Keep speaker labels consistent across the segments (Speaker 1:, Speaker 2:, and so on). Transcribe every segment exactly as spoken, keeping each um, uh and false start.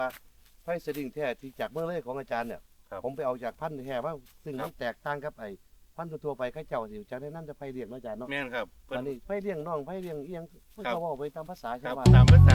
Speaker 1: ไผ่สลิงแท้ที่จากเมืองเลยของอาจารย์เนี่ยผมไปเอาจากพันธุ์แท้ว่าซึ่งมันแตกต่างกับไอ้พันธุ์ทั่วไปข้าเจ้าสิจากนั้นจะไผ่เลี้ยงอาจารย์เนาะ
Speaker 2: แม่นครับ
Speaker 1: อันนี้ไผ่เลี้ยงน้องไผ่เลี้ยงเอียงเพิ่นก็เว้าไปตามภาษาชาวบ้าน
Speaker 2: ตามภาษา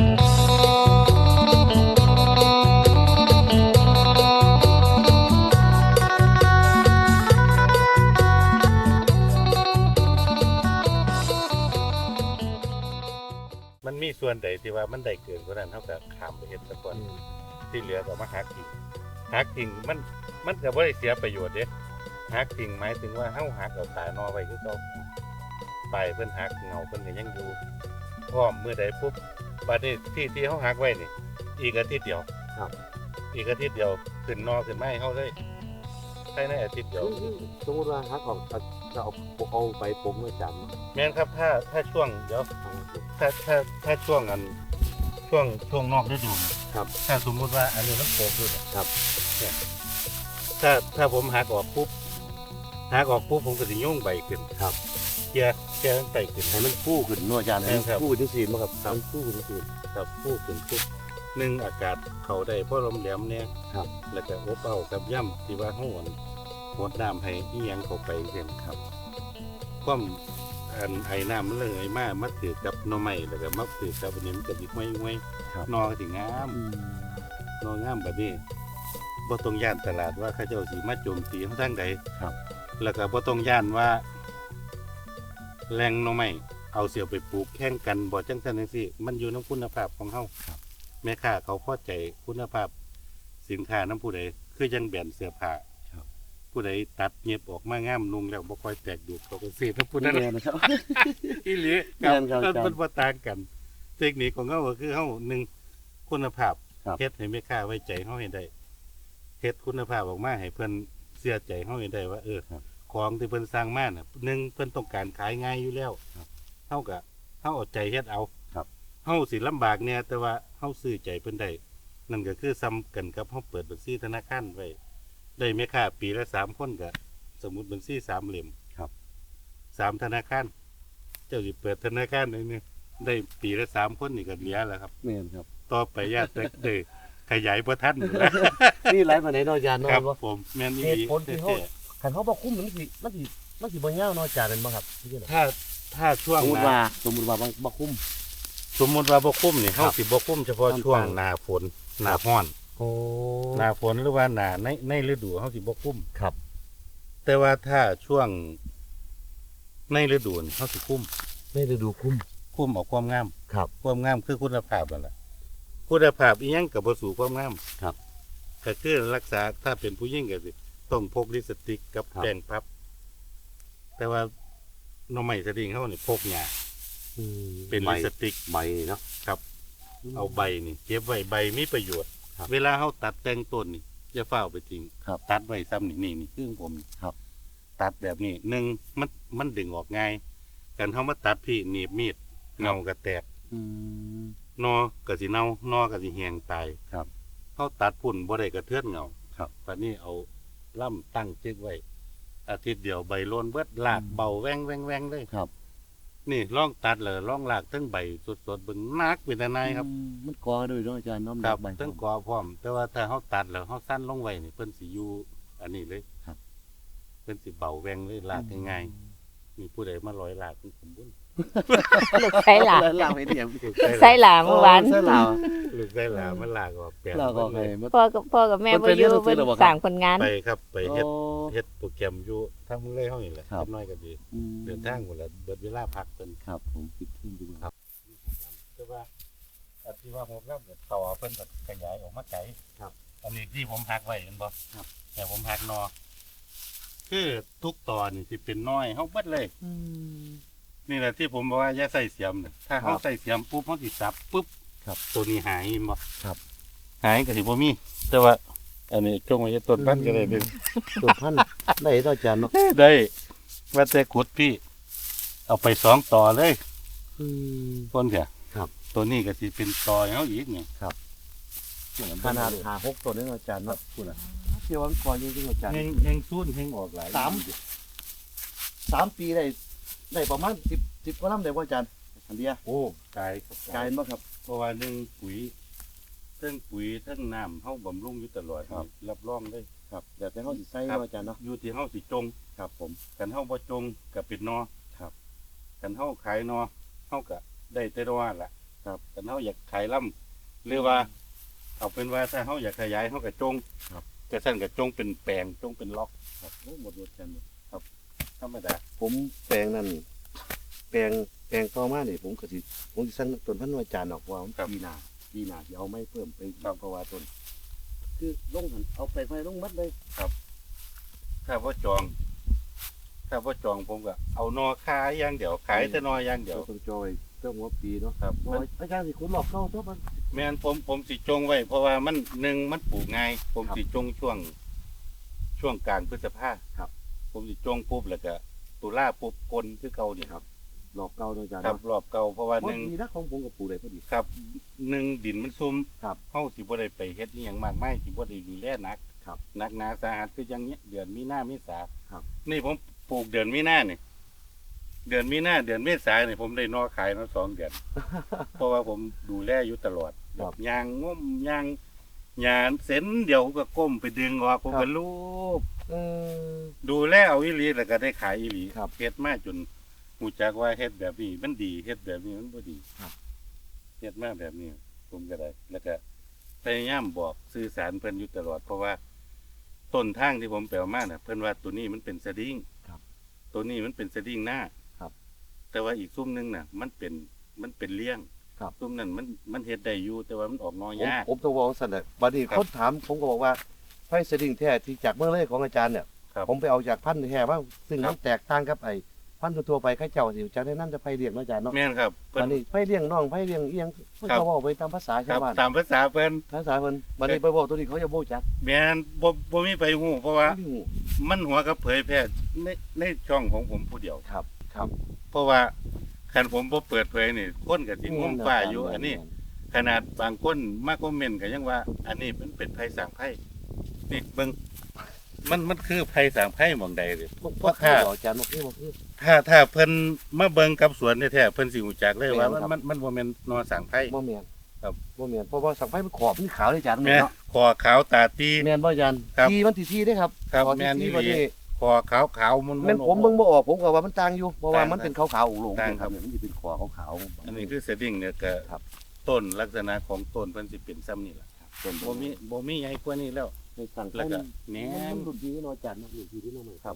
Speaker 2: มันมีส่วนใดที่ว่ามันได้เกินกว่านั้นเท่ากับขามไปเฮ็ดซะก่อนที่เหลือก็มาหักทิ้งหักทิ้งมันมันก็บ่ได้เสียประโยชน์เด้หักทิ้งหมายถึงว่าเฮาหักเอาตานอไว้คือเก่าไปเพิ่นหักเงาเพิ่นก็ยังอยู่พร้อมมื้อใดปุ๊บบัดนี้ที่ที่เฮาหักไว้นี่อีกอาทิตย์เดียวครับอีกอาทิตย์เดียวขึ้นนอขึ้นไม้เฮาเลยภายในอาทิตย์เดียว
Speaker 3: สมมติว่าหักออกจะเอาเอาไปปมเมื่อจำ
Speaker 2: แม่นครับถ้าถ้าช่วงเดี๋ยวถ้าถ้าถ้าช่วงอันช่วงช่วงนอกฤดูครับถ้าสมมุติว่าอันนี้มันโผล่อยู่ครับเนี่ยถ้าถ้าผมหักออกปุ๊บหักออกปุ๊บผมก็จะยุ่งใบขึ้นครับเกี่ยเกี่ยมันไตขึ้น
Speaker 3: ให้มันฟูขึ้นนัวจานให้มันฟูขึ้นสีมั้งครับมันฟูขึ้นสี
Speaker 2: ครับฟูขึ้นปุ๊บหนึ่งอากาศเขาได้เพราะลมแหลมเนี่ย
Speaker 3: ครับ
Speaker 2: แล้วก็อบเอากับย่ำที่ว่าห้วนหดน้ำให้อีหยังเข้าไปเช่นครับความอันไอ้น้ำมันเลยมากมัดถือกับหน่อไม้แล้วก็มัดถือกับอันนี้มันก็ดิห้วยห้วยนอถึงงามนองามแบบนี้บ่ต้องย่านตลาดว่าเขาเจ้าสีมาโจมตีเขาทางใดครับแล้วก็บ่ต้องย่านว่าแรงหน่อไม้เอาเสี่ยวไปปลูกแข่งกันบ่จังซั่นจังซี่มันอยู่ในคุณภาพของเฮาแม่ค้าเขาพอใจคุณภาพสินค้าน้ำผู้ใดคือยังแบรนด์เสื้อผ้าผู้ใดตัดเงียบออกมางามนุ่งแล้วบ่ค่อยแตกดูดเขาก็ซื้อน้ำผู้นั้นนะครับอีหลีกับมันบ่ต่างกันเทคนิคของเฮาก็คือเฮาหนึ่งคุณภาพเฮ็ดให้แม่ค้าไว้ใจเฮาให้ได้เฮ็ดคุณภาพออกมาให้เพิ่นเชื่อใจเฮาให้ได้ว่าเออของที่เพิ่นสร้างมาน่ะหนึ่งเพิ่นต้องการขายง่ายอยู่แล้วเฮาก็เฮาเอาใจเฮ็ดเอาเฮาสิลำบากเนี่ยแต่ว่าเฮาซื้อใจเพิ่นได้นั่นก็คือซ้ำกันกับเฮาเปิดบัญชีธนาคารไว้ได้แม่ค้าปีละสามคนก็สมมุติบัญชีสามเหลี่ยมครับสามธนาคารเจ้าสิเปิดธนาคารได้นี่ได้ปีละสามคนนี่ก็เหลือแล้วครับ
Speaker 3: แม่นครับ
Speaker 2: ต่อไปญาติได้ขยายบ่ทัน
Speaker 3: นี่หลายปานใดเนาะอาจารย์เนาะ
Speaker 2: ครับผมแม่นอีหลี
Speaker 1: เหตุผลที่เฮาคันเฮาบ่คุ้มมันสิมันสิมันสิบ่ยาวเนาะอาจารย์แม่นบ่ครับ
Speaker 2: ถ้าถ้าช่วง
Speaker 3: สมมุติว่าสมมุติว่าบ่คุ้ม
Speaker 2: สมมุติว่าบ่คุ้มนี่เฮาสิบ่คุ้มเฉพาะช่วงหน้าฝนหน้าร้อน
Speaker 1: โอ้
Speaker 2: หน้าฝนหรือว่าหน้าในในฤดูเฮาสิบ่คุ้ม
Speaker 1: ครับ
Speaker 2: แต่ว่าถ้าช่วงในฤดูเฮาสิคุ้ม
Speaker 1: ในฤดูคุ้ม
Speaker 2: คุ้มเอาความงาม
Speaker 1: ครับ
Speaker 2: ความงามคือคุณภาพนั่นแหละคุณภาพอีหยังก็บ่สู่ความงาม
Speaker 3: ครับ
Speaker 2: ก็คือรักษาถ้าเป็นผู้หญิงก็สิต้องพกลิปสติกกับแป้งพับแต่ว่าหน่อไม้สลิงเฮานี่พกหญ้าเป็นลิปสติก
Speaker 3: ใบเนาะ
Speaker 2: ครับเอาใบนี่เก็บไว้ใบมีประโยชน์เวลาเฮาตัดแต่งต้นนี่อย่าฟ้าวไปทิ้งตัดไว้ซ้ำนี่นี่นี่คือผม
Speaker 3: ครับ
Speaker 2: ตัดแบบนี้หนึ่งมันมันดึงออกง่ายกันเฮามาตัดพี่หนีบมีดเงาก็แตกนอก็สิเน่านอก็สิแห้งตาย
Speaker 3: ครับ
Speaker 2: เฮาตัดพุ่นบ่ได้กระเทือนเงา
Speaker 3: ครับ
Speaker 2: บัดนี้เอาล่ำตั้งจึกไว้อาทิตย์เดียวใบโลนเบิดลากเบาแว้งแว้งแว้งเลย
Speaker 3: ครับ
Speaker 2: นี่ลองตัดเลยลองลากทั้งใบสดๆเบิ่งนักเป็นนายครับ
Speaker 3: มันกอด้วยเนาะอาจารย์น้อม
Speaker 2: ครับทั้งกอพร้อมแต่ว่าถ้าเฮาตัดแล้วเฮาสั้นลงไว้นี่เพิ่นสิอยู่อันนี้เลย
Speaker 3: ครับ
Speaker 2: เพิ่นสิเบาแว้งเลยลากง่ายๆมีผู้ใดมาร้อยลากผมบุญ
Speaker 4: ลูกไส้หลา
Speaker 3: ลากไปเนี่ย
Speaker 4: ไส้หลาเมื่อวาน
Speaker 3: ไส้หลา
Speaker 2: ลูกไส้หลามันลากออกแปลง
Speaker 4: พ่อกับพ่อกับแม่บ่อยู่เพิ่นสร้างคนงาน
Speaker 2: ไปครับไปเฮ็ดเฮ็ดโปรแกรมอยู่ทางเมืองเลยเฮานี่แหละเล็กน้อยก็ดีเดินทางหมดแล้วเบิดเวลาพักเพิ่น
Speaker 3: ครับผมคิดถึงดู
Speaker 2: ครับแต่ว่าอันที่ว่าผมรับต่อเพิ่นก็ขยายออกมาไกล
Speaker 3: ครับ
Speaker 2: อันนี้ที่ผมหักไว้เห็นบ่ครับแต่ผมหักนอคือทุกตอนนี่สิเป็นน้อยเฮาเบิดเลย
Speaker 4: อืม
Speaker 2: นี่แหละที่ผมบอกว่าอย่าใส่เสียมเนี่ยถ้าเขาใส่เสียมปุ๊บเขาติดซับปุ๊บตัวนี้หายมั้ง
Speaker 3: ครับ
Speaker 2: หายก็สิบ่มีแต่ว่าอันนี้จงไว้ต้นพันธุ์ก็ได้เป็น
Speaker 3: ต้นพันธุ์ได้ต่อจานเนาะ
Speaker 2: ได้ว่าแต่ขุดพี่เอาไปสองต่อเลยต้นเถอะ
Speaker 3: ครับ
Speaker 2: ตัวนี้ก็สิเป็นต่อเขาอีกเนี่ย
Speaker 3: ครับขนาดหาหกตัวนี้อาจารย์เนาะคุณอ่ะเที่ยววันก่อนยังอาจารย์
Speaker 2: แห้งแห้งซุ่นแห้งออกหลาย
Speaker 3: สามสามปีได้ได้ประมาณสิบสิบกว่าลำได้ว่าอาจารย์อันเดีย
Speaker 2: โอ้กาย
Speaker 3: กายมั้งครับ
Speaker 2: เพราะว่าหนึ่งปุ๋ยทั้งปุ๋ยทั้งน้ำเฮาบำรุงอยู่ตลอด
Speaker 3: ครับ
Speaker 2: รับรองเลย
Speaker 3: ครับแต่แต่เขาสิใส่
Speaker 2: ครับ
Speaker 3: เนาะอาจารย์เนาะ
Speaker 2: อยู่ที่เฮาสิจง
Speaker 3: ครับผม
Speaker 2: กันเฮาบ่จงก็เป็นนอ
Speaker 3: ครับ
Speaker 2: กันเฮาขายนอเฮาก็ได้แต่นอล่ะ
Speaker 3: ครับ
Speaker 2: กันเฮาอยากขายล่ำหรือว่า เอาเป็นว่าถ้าเฮาอยากขยายเฮาก็จง
Speaker 3: ครับ
Speaker 2: ก็ซั่นก็จงเป็นแปลงจงเป็นล็อก
Speaker 3: ครับโอ้หมดหมดกันหมด
Speaker 2: ธรรมดา
Speaker 1: ผมแปลงนั่นแปลงแปลงต่อมานี่ผมก็สิผมสิสั่งต้นพันธุ์อาจารย์ออกว่ามันปีหน้าปีหน้าสิเอาไม้เพิ่มไปอีกเพราะว่าต้นคือลงหันเอาไปไม้ลงมัดเลย
Speaker 2: ถ้าบ่จอง ถ้าบ่จองผมก็เอานอขายอย่างเดียวขายแต่นออย่างเดียว
Speaker 1: ต้องจอยเติมหัวปีเนาะ
Speaker 2: ครับ
Speaker 1: โอ้ยอาจารย์สิคุณหลอกเข้าตัวมัน
Speaker 2: แม่นผมผมสิจงไว้ เพราะว่ามันหนึ่งมันปลูกง่าย ผม
Speaker 1: ครับ
Speaker 2: สิจงช่วง ช่วงกลางพฤษภา
Speaker 1: ครับ
Speaker 2: ผมสิจงปุ๊บแล้วก็ตุลาปุ๊บกลคือเก่านี่ครับ
Speaker 1: หลอกเก่าเนาะอาจารย์
Speaker 2: ครับ
Speaker 1: เนาะ
Speaker 2: รอบเก่าเพราะว่า
Speaker 1: พ
Speaker 2: ห
Speaker 1: อ
Speaker 2: นึ่ง
Speaker 1: ดีนะของผมกับปู่ได้พอดี
Speaker 2: ครับหนึ่งดินมันซุ่ม
Speaker 1: ครับ
Speaker 2: เฮาสิบ่ได้ไปเฮ็ดอีหยังมากมายสิบ่ได้ดูแลหนัก
Speaker 1: ครับ
Speaker 2: หนักหนาสาหัสคืออย่างเงี้ยเดือนมีนาเมษา
Speaker 1: ครับ
Speaker 2: นี่ผมปลูกเดือนมีนานี่เดือนมีนาเดือนเมษานี่ผมได้นอขายมาสองเดือน เพราะว่าผมดูแลอยู่ตลอด
Speaker 1: ครับ
Speaker 2: ยางงมยางยางเส้นเดียวก็ก้มไปดึงออกผม
Speaker 1: ครับ
Speaker 2: ก็ลูบ
Speaker 1: เออ
Speaker 2: ดูแลเอาอีหลีแล้วก็ได้ขายอีหลี
Speaker 1: ครับ
Speaker 2: เฮ็ดมาจนหูจักว่าเฮ็ดแบบนี้มันดีเฮ็ดแบบนี้มันบ่ดี
Speaker 1: ครับ
Speaker 2: เฮ็ดมาแบบนี้ ผมก็ได้ แล้วก็พยายามบอกสื่อสารเพิ่นอยู่ตลอด เพราะว่าต้นทางที่ผมแปลมาน่ะเพิ่นว่าตัวนี้มันเป็นสดิ้ง
Speaker 1: ครับ
Speaker 2: ตัวนี้มันเป็นสดิ้งหน้า
Speaker 1: ครับ
Speaker 2: แต่ว่าอีกซุ้มหนึงน่ะ มันเป็นมันเป็นเลี้ยง
Speaker 1: ครับ
Speaker 2: ซุ้มนั้นมันมันเฮ็ดได้อยู่แต่ว่ามันออกนอ
Speaker 1: ผม
Speaker 2: ยาก
Speaker 1: ผมต้องบอกสั่นแหละบัดนี้
Speaker 2: ครับ
Speaker 1: เขาถามผมก็บอกว่าไฟสดิ้งแท้ที่จากเมืองเลยของอาจารย์เนี่ย
Speaker 2: ครับ
Speaker 1: ผมไปเอาจากพันธุ์แท้ว่าซึ่ง
Speaker 2: ครับ
Speaker 1: มันแตกต่างกับไอ้พันธุ์ทั่วๆไปเข้าเจ้าสิจากนั้นจะไฟเลี้ยงเนาะอาจารย์เนาะ
Speaker 2: แม่นครับเพิ่
Speaker 1: บัด
Speaker 2: น
Speaker 1: นี้ไฟเลี้ยงน้องไฟเลี้ยงอีหยังเพิ่น
Speaker 2: ครับ
Speaker 1: เขาบอกไปตามภาษา
Speaker 2: ครั
Speaker 1: ชาว
Speaker 2: บ
Speaker 1: บ้าน
Speaker 2: ตามภาษาเพิ่น
Speaker 1: ภาษาเพิ่นบัดนี้ไปบอกตัวนี้เขาจะบ่รู้จัก
Speaker 2: แม่นบ่บ่มีไปฮู้เพราะว่า
Speaker 1: ไม่รู้
Speaker 2: มันหัวกับเผยแพร่ในในช่องของผมผู้เดียว
Speaker 1: ครับครับ
Speaker 2: เพราะว่าคันผมบ่เปิดเผยนี่คนก็สิงงฟ้าอยู่อันนี้ ขนาดบางคนมาคอมเมนต์ก็ยังว่า อันนี้มันเป็นภัยสร้างภัยนี่เบิ่งมันมันคือภัยสร้างภัยหม่องใดเด้
Speaker 1: พวก
Speaker 2: เพ
Speaker 1: พวก
Speaker 2: ราะ
Speaker 1: ข้า
Speaker 2: ถ้า
Speaker 1: อาจารย์บอกคือบอกคือ
Speaker 2: ถ้าถ้าเพิ่นมาเบิ่งกับสวนแท้ๆเพิ่นสิรู้จักเลยว่า
Speaker 1: แม่นครับ
Speaker 2: มันมันบ่แม่นนอสร้างภัย
Speaker 1: บ่แม่น
Speaker 2: ครับ
Speaker 1: บ่แม่นเพราะว่าสังไฟมันขอบมันขาวเลยอาจารย์
Speaker 2: แม่
Speaker 1: เนาะ
Speaker 2: คอขาวตาตี
Speaker 1: แม่นบ่อาจารย์
Speaker 2: ครับ
Speaker 1: ทีมันสิทีเด้ครับ
Speaker 2: ครับ
Speaker 1: ขอ
Speaker 2: แม่น
Speaker 1: ที
Speaker 2: อี
Speaker 1: บัด
Speaker 2: หลี
Speaker 1: นี้
Speaker 2: คอขาวขาวๆมัน
Speaker 1: แม่นผมเบิ่งบ่ออกผมก็ว่ามันต่างอยู่เพราะว่า
Speaker 2: ต่าง
Speaker 1: มันเป็นขาวๆอุโลง
Speaker 2: ต่าง
Speaker 1: ๆ
Speaker 2: ครับ
Speaker 1: เนี่ยมันสิเป็นขอขาวๆ
Speaker 2: อันนี้คือเซตติ้งเนี่ยก็
Speaker 1: ครับ
Speaker 2: ต้นลักษณะของต้นเพิ่นสิเป็นซ้ำนี่ล่ะ
Speaker 1: ต้น
Speaker 2: บ่มีบ่มีใหญ่กว่านี้แล้ว
Speaker 1: ในสั่ง
Speaker 2: แล้วก็
Speaker 1: แหน
Speaker 2: แหนม
Speaker 1: มันรุ่นดีเนาะอาจารย์เนาะรุ่นดีที่เนาะมัน
Speaker 2: ครับ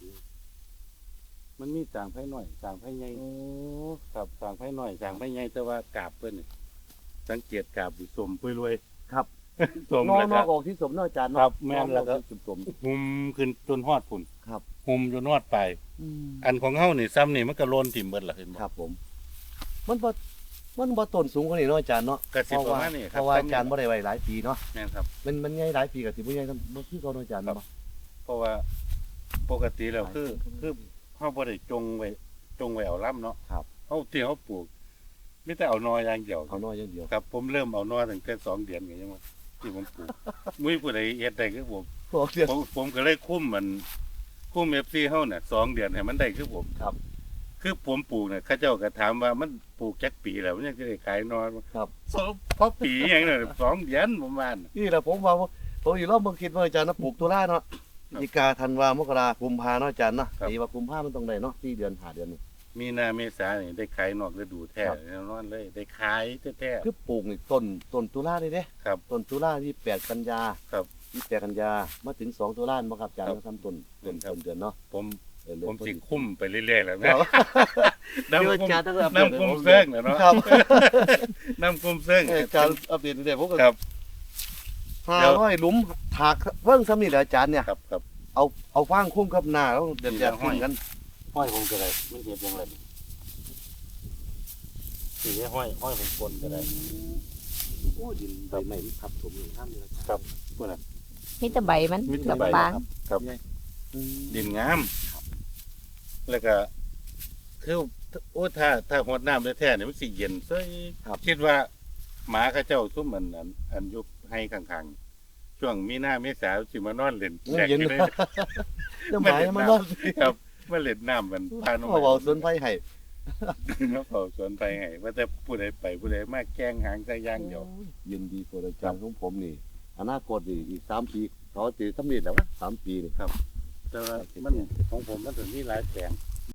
Speaker 2: มันมีสร้างไผน้อยสร้างไผใหญ่
Speaker 1: โอ้
Speaker 2: ครับสร้างไผน้อยสร้างไผใหญ่แต่ว่ากาบเพิ่นนี่สังเกตกาบสิสมปุยรวย
Speaker 1: ครับ
Speaker 2: สม
Speaker 1: นอ
Speaker 2: แล้ว
Speaker 1: น
Speaker 2: ก็
Speaker 1: อกออกที่สมเนาะอาจารย์
Speaker 2: ค
Speaker 1: เนาะ
Speaker 2: รับแม่นแล้วก็
Speaker 1: นอกออที่สม
Speaker 2: หุมขึ้นจนฮอดพุ่น
Speaker 1: ครับ
Speaker 2: หุมจนฮอดไป
Speaker 1: อืม
Speaker 2: อันของเฮานี่ซ้ำนี่มันก็โลนถิ่มเบิดล่ะเห็นบ่
Speaker 1: ครับผม มันบ่มันบ่ต้นสูงกว่านี้เนาะอาจารย์เนาะ
Speaker 2: ก็สิ
Speaker 1: เพราะ
Speaker 2: ประ
Speaker 1: ว่า
Speaker 2: มาณนี้ค
Speaker 1: เพ
Speaker 2: รับ
Speaker 1: ราะว่าอาจารย์บ่ได้ไว้หลายปีเนาะ
Speaker 2: แม่นครับ
Speaker 1: มันมันใหญ่หลายปีก็สิบ่ใหญ่บ่คือเก่าเนาะอาจารย์
Speaker 2: ครับ
Speaker 1: เนาะ
Speaker 2: เพราะว่าปกติแล้วคือคือเฮาบ่ได้จงไว้จงไว้เอาล่ำเนาะ
Speaker 1: ครับ
Speaker 2: เฮาที่เฮาปลูกมีแต่เอานออย่างเดียว
Speaker 1: เอาน้อยอย่างเดียว
Speaker 2: ครับผมเริ่มเอานอตั้งแต่สองเดือนก็ยังว่าที่ผมปลูกมุ้ยผู้ใดเฮ็ดได้คือผม
Speaker 1: พวกเดียว
Speaker 2: ผมผมก็เลยคุ้มมันคุ้ม เอฟ ซี เฮาน่ะสองเดือนให้มันได้คือผม
Speaker 1: ครับ
Speaker 2: คือผมปลูกน่ะเขาเจ้าก็ถามว่ามันปลูกจักปีแล้วมันยังสิได้ขายนอน
Speaker 1: ครับ
Speaker 2: สองพอปีหยังน่ะสองเดือนประมาณน่ะ
Speaker 1: นี่แหละผมว่าผมอยู่รอบเมืองคิดว่าอาจารย์นะปลูกตุลาเนาะ
Speaker 2: ครับ
Speaker 1: พฤศจิกาธันวามกรากุมภาเนาะอาจารย์เนาะปีว่ากุมภามันต้องได้เนาะสี่เดือนห้าเดือนนี่
Speaker 2: มีนาเมษานี่ได้ขายนอกฤดูแท้
Speaker 1: ครับ
Speaker 2: แน่นอนเลย ได้ขายแท้
Speaker 1: คือปลูกนี่ต้นต้นตุลาเลยเด้
Speaker 2: ๆครับ
Speaker 1: ต้นตุลาที่แปดกันยา
Speaker 2: ครับ
Speaker 1: ที่แปดกันยามาถึงสองตุลาบ่ครับอาจารย์
Speaker 2: ครับ
Speaker 1: มาทำต้นต้น
Speaker 2: ครับ
Speaker 1: ต้นเดือนเนาะ
Speaker 2: ผม
Speaker 1: เออเดือน
Speaker 2: ผม
Speaker 1: พฤศ
Speaker 2: สิ
Speaker 1: จิ
Speaker 2: คุ้มไปเรื่อยๆแล้ว
Speaker 1: ค
Speaker 2: นะ
Speaker 1: รับ
Speaker 2: น้ำ
Speaker 1: เดี๋ยว
Speaker 2: คุ้
Speaker 1: อาม จารย์ต้องอัปเดต
Speaker 2: น้ำคุ้มเซิงน่ะเนาะ
Speaker 1: ครับ
Speaker 2: น้ำคุ้มเซิง
Speaker 1: เอออาจารย์อัปเดตเดี๋ยวผมก็
Speaker 2: ครับ
Speaker 1: ห้าร้อยหลุมถากเพิ่งซ้ำนี่แหละอาจารย์เนี่ย
Speaker 2: ครับครับ
Speaker 1: เอาเอาฟางคุ้มกับหน้าแล้วเดือด
Speaker 2: มี
Speaker 1: เดือด
Speaker 2: แต่ห้อย
Speaker 1: กัน
Speaker 2: ห้อยผมก็ได้ไม่เห็นยังไงสีห้อยห้อยผมกลก็ได้
Speaker 1: โอ้ดินใบใหม่มันทับถมอย่างห้ามเลยอาจารย์
Speaker 2: ครับพวกนั้น
Speaker 4: มีแต่ใบมัน
Speaker 2: มีแต่
Speaker 4: กับ
Speaker 2: ใบ
Speaker 4: ฟาง
Speaker 2: ครับ
Speaker 1: อืม
Speaker 2: ดินงาม แล้วก็คือโอ้ถ้าถ้าหดน้ำแท้ๆเนี่ยมันสิเย็นซยคิดว่าหมาเข้าเจ้าซุ่มอันอันอันอยุบให้ข้างๆช่วงมีหน้าเมษาสิมานอนเล่น
Speaker 1: มัน
Speaker 2: แดก
Speaker 1: เย็น
Speaker 2: อยู่เลย
Speaker 1: น้ำหมายมันนอน
Speaker 2: ครับมาเล่นน้ำมันพาน้อง
Speaker 1: เขาบอกสวนไฟให้
Speaker 2: มาเฝ้าสวนไปให้ว่าแต่ผู้ใดไปผู้ใดมาแกล้งหางใส่อย่างเดียว
Speaker 1: ยินดีตัวอาจารย์ของผมนี่อนาคตนี่อีกสามปีเขาจะสำเร็จแล้ววะสามปีนี่
Speaker 2: แต่ว่ามันของผมมันถึงมีหลายแปลง